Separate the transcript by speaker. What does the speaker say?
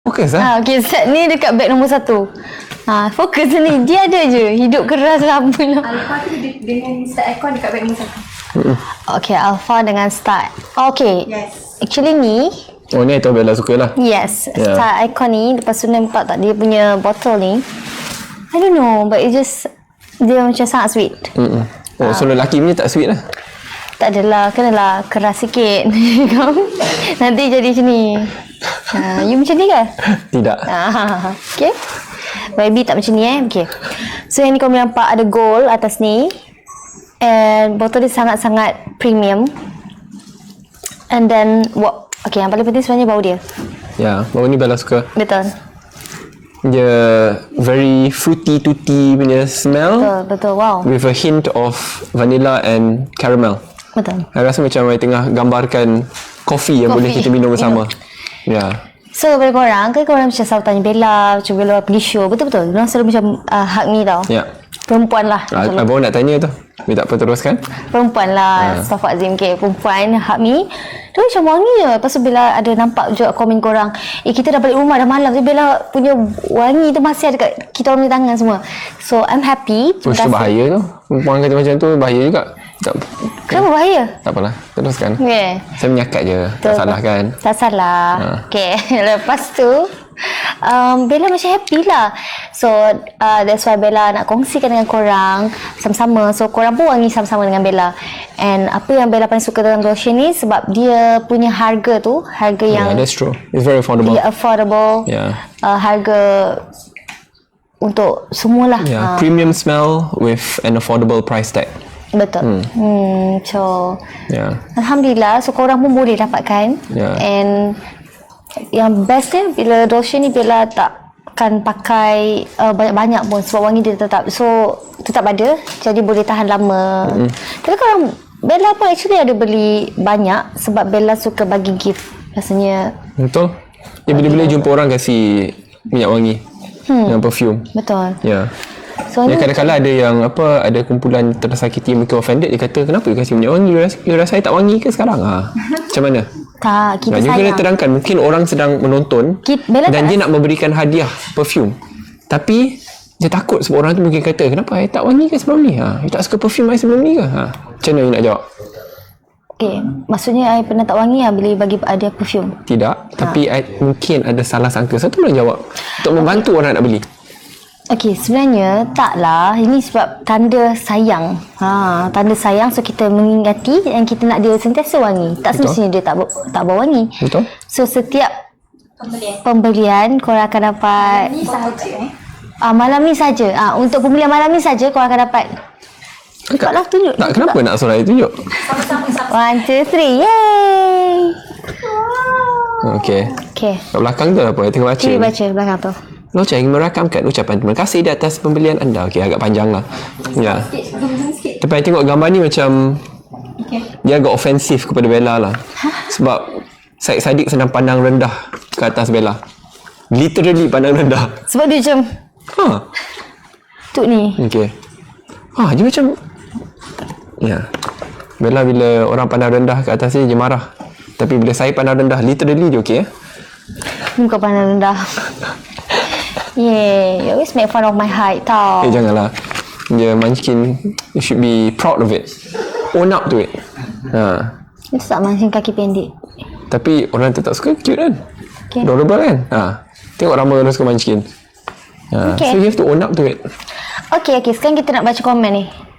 Speaker 1: Fokus lah.
Speaker 2: Okay, set ni dekat beg nombor 1. Fokus ni. Dia ada je. Hidup keras lama lah.
Speaker 3: Alpha tu dengan start aircon dekat beg nombor 1.
Speaker 2: Okay, Alpha dengan start. Okay.
Speaker 3: Yes.
Speaker 2: Actually ni.
Speaker 1: Oh, ni itu Bella suka lah.
Speaker 2: Yes. Start icon ni. Lepas tu nampak tak dia punya botol ni. I don't know. But it just. Dia macam sangat sweet.
Speaker 1: Oh, so lelaki punya tak sweet lah.
Speaker 2: Tak adalah. Kenalah keras sikit. Nanti jadi macam ni. You macam ni ke?
Speaker 1: Tidak.
Speaker 2: Okay. Baby tak macam ni Okay. So yang ni kau boleh nampak ada gold atas ni. And botol dia sangat-sangat premium. And then okay, yang paling penting sebenarnya bau dia.
Speaker 1: Ya, bau ni Bella suka.
Speaker 2: Betul.
Speaker 1: Dia very fruity tutti punya smell.
Speaker 2: Betul. Wow.
Speaker 1: With a hint of vanilla and caramel.
Speaker 2: Betul.
Speaker 1: I rasa macam I tengah gambarkan kopi yang boleh kita minum bersama. Ya.
Speaker 2: So kepada korang, kan korang macam selalu tanya Bella, macam Bella pergi show. Betul-betul. Diorang selalu macam hug me tau.
Speaker 1: Ya.
Speaker 2: Perempuan lah.
Speaker 1: Abang nak tanya tu. Tapi tak apa, teruskan.
Speaker 2: Perempuan lah. Astaghfirullahaladzim. Okay, perempuan hug me. Dia macam wangi je. Lepas tu Bella ada nampak juga komen korang. Kita dah balik rumah dah malam. Tapi Bella punya wangi tu masih ada kat kita orang punya tangan semua. So I'm happy.
Speaker 1: Terus tu bahaya tu. Perempuan kata macam tu bahaya juga.
Speaker 2: Kenapa bahaya?
Speaker 1: Tak apalah, teruskan.
Speaker 2: Okay.
Speaker 1: Saya menyakat je. Tak salah kan?
Speaker 2: Tak salah. Okay. Lepas tu Bella macam happy lah. So that's why Bella nak kongsikan dengan korang sama-sama. So korang pun wangi sama-sama dengan Bella. And apa yang Bella paling suka dalam lotion ni sebab dia punya harga tu, harga yang
Speaker 1: that's true. It's very affordable.
Speaker 2: Affordable. Harga untuk semualah.
Speaker 1: Premium smell with an affordable price tag.
Speaker 2: Betul. So Alhamdulillah. So korang pun boleh dapatkan. And yang best dia bila lotion ni Bella takkan pakai banyak-banyak pun sebab wangi dia tetap ada, jadi boleh tahan lama. Tapi korang Bella pun actually ada beli banyak sebab Bella suka bagi gift rasanya.
Speaker 1: Betul. Dia bila-bila jumpa orang kasih minyak wangi dengan perfume.
Speaker 2: Betul.
Speaker 1: So, kadang-kadang ada yang ada kumpulan tersakiti yang mungkin offended. Dia kata, kenapa you kasih minyak wangi? You rasa I tak wangi ke sekarang? Macam mana?
Speaker 2: Tak, kita
Speaker 1: sayang. You kena terangkan. Mungkin orang sedang menonton dan dia nak memberikan hadiah perfume. Tapi dia takut sebab orang tu mungkin kata, kenapa I tak wangi ke sebelum ni? You tak suka perfume I sebelum ni ke? Macam mana you nak jawab?
Speaker 2: Okay, maksudnya I pernah tak wangi bila bagi hadiah perfume?
Speaker 1: Tidak, tapi I mungkin ada salah sangka. Satu boleh jawab untuk membantu orang nak beli.
Speaker 2: Okey, sebenarnya taklah. Ini sebab tanda sayang. Tanda sayang, so kita mengingati dan kita nak dia sentiasa wangi. Tak semestinya dia tak bau wangi.
Speaker 1: Betul.
Speaker 2: So setiap pembelian korang akan dapat
Speaker 3: Ni sahaja
Speaker 2: malam ni saja. Untuk pembelian malam ni saja korang akan dapat. Cepatlah tunjuk.
Speaker 1: Tak, kenapa nak suruh I tunjuk?
Speaker 3: Sama-sama.
Speaker 2: 1, 2, 3. Yay!
Speaker 1: Okey. Kat belakang tu apa? I tengah baca.
Speaker 2: Cuba baca belakang tu.
Speaker 1: Locha ingin merakamkan ucapan terima kasih di atas pembelian anda. Okey, agak panjang lah. Ya. Tapi I tengok gambar ni macam dia agak ofensif kepada Bella lah. Sebab Syed Saddiq sedang pandang rendah ke atas Bella. Literally pandang rendah.
Speaker 2: Sebab dia macam tuk ni.
Speaker 1: Okey. Dia macam Bella bila orang pandang rendah ke atas dia marah. Tapi bila saya pandang rendah, literally dia okey
Speaker 2: Muka pandang rendah. You always make fun of my height tau.
Speaker 1: Janganlah. Dia Munchkin, you should be proud of it. Own up to it.
Speaker 2: Itu tak Munchkin kaki pendek.
Speaker 1: Tapi orang tetap suka, cute kan? Adorable kan? Tengok ramai orang suka Munchkin. So you have to own up to it.
Speaker 2: Okay, sekarang kita nak baca komen ni.